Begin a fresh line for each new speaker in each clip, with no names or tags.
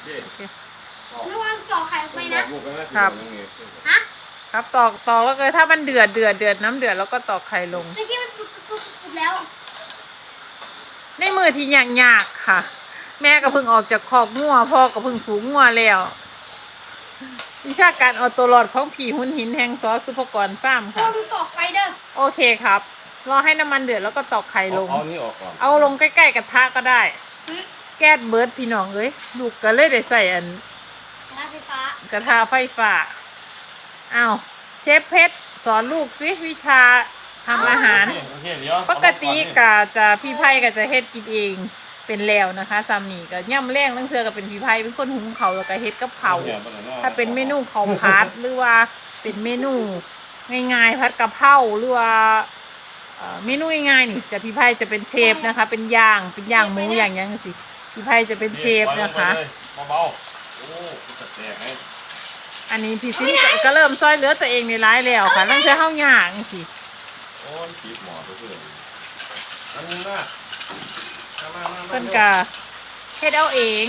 ระวังต่อไข่ไปนะครับฮะ
ครับตอกแล้วก็ถ้ามันเดือดน้ำเดือดแล้วก็ตอกไข่ลง
ตะกี้มันปุดแล้ว
ในมือที่ยากค่ะ แม่ก็เพิ่งออกจากคอกงัวพ่อก็เพิ่งผูกงัวแล้ววิชาการเอาตัวรอดของผีหุ่นหินแห่งซอสซุปกรฟาร์มค่ะ
มึงต่อไข่เด้อ
โอเคครับรอให้น้ำมันเดือดแล้วก็ตอกไข่ลง
เอานี่ออกก่อน
เอาลงใกล้ๆกระทะก็ได้แก๊สเบิร์ดพี่น้องเอ้ยลูกก็เลยได้ใส่อันกระทะไฟฟ้าอ้าวเชฟเพชรสอนลูกสิวิชาทำอาหารปกติก็จะพี่ไพ่ก็จะเฮ็ดกินเองเป็นแล้วนะคะซามีก็ย่ำแรงตั้งเชือก็เป็นพี่ไพ่เป็นคนหุงเขาแล้วก็เฮ็ดกับเขาถ้าเป็นเมนูข้าวผัดหรือว่าเป็นเมนูง่ายๆผัดกะเพราหรือว่าเมนูง่ายๆนี่จะพี่ไพ่จะเป็นเชฟนะคะเป็นย่างหมูอย่างยังสิพี่ไพ่จะเป็นเชฟนะคะ
เบาๆโอ้จะแตกไง
อันนี้พี่ซิ้นก็เริ่มซอยเหลือตัวเองในร้ายแล้วค่ะตั้งแต่เข้าย่างสิ
โอ้ยขีดหมอตัวเพื่อนอันนี้นะ
เพิ่นกะเฮ็ดเอาเอง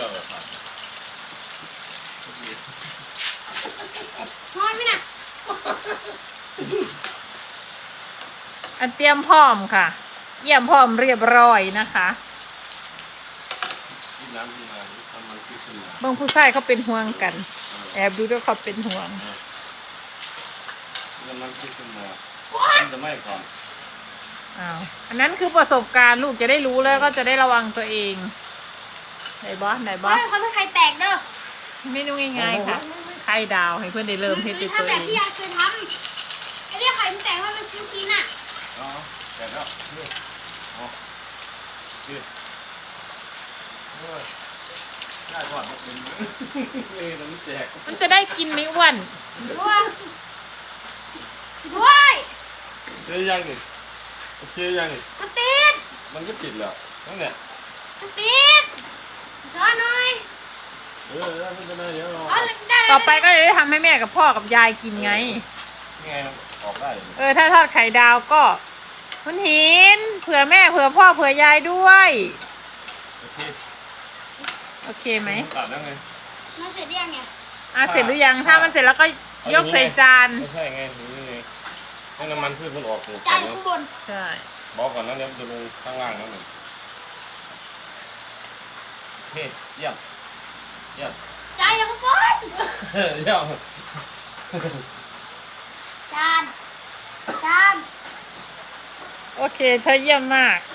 นอนไหมน่ะ
อันเตรียมพร้อมค่ะเยี่ยมพร้อมเรียบร้อยนะคะบางผู้ชายเขาเป็นห่วงกันแอบดูด้วยเขาเป็นห่วง
มันขึ้นมาจะไม่ก่อน
อ้าวอันนั้นคือประสบการณ์ลูกจะได้รู้แล้วก็จะได้ระวังตัวเองไหนบอส
เขาไม่ไข่แตกเด้อ
เมนูง่ายๆค่ะไข่ดาวให้เพื่อนได้เริ่มเฮ็ดด้วยตัวเอง
ถ้าแบบที่ยายเคยทำไอ้เนี่ยไข่มันแตกว่ามันชิ้นๆอ่ะ
อ๋อแตกแล้วอ๋อได้ก่อนมันแตก
มันจะได้กินไม่อ้วน
ด้วย
เชื่อยังนี่เชื่อยังนี่
มันติด
มันก็ติดแล้วนั่นแหละ
มันติดช้อนหน่อย
ไม่เป็นไรเดี๋ยว
ต่อไปก็จะได้ทำให้แม่กับพ่อกับยายกินไง
ไงออกได้
ถ้าทอดไข่ดาวก็คุณหินเผื่อแม่เผื่อพ่อเผื่อยายด้วยโอเคไหม
ตัดแล้วไง
มันเสร็จยังไง
เสร็จหรือยังถ้ามันเสร็จแล้วก็ยกใส่จาน
ไม่ใช่ไงนี่ไงให้น้ำมันพืชมันออก
จานข้างบน
ใช่
บอกก่อนนะเดี๋ยวจะลงข้างล่างแล้วหนึ่งเฮ้ยเยี่ยม
จานยังไม่ก้น
เยี่ยม
จาน
โอเคเธอเยี่ยมมาก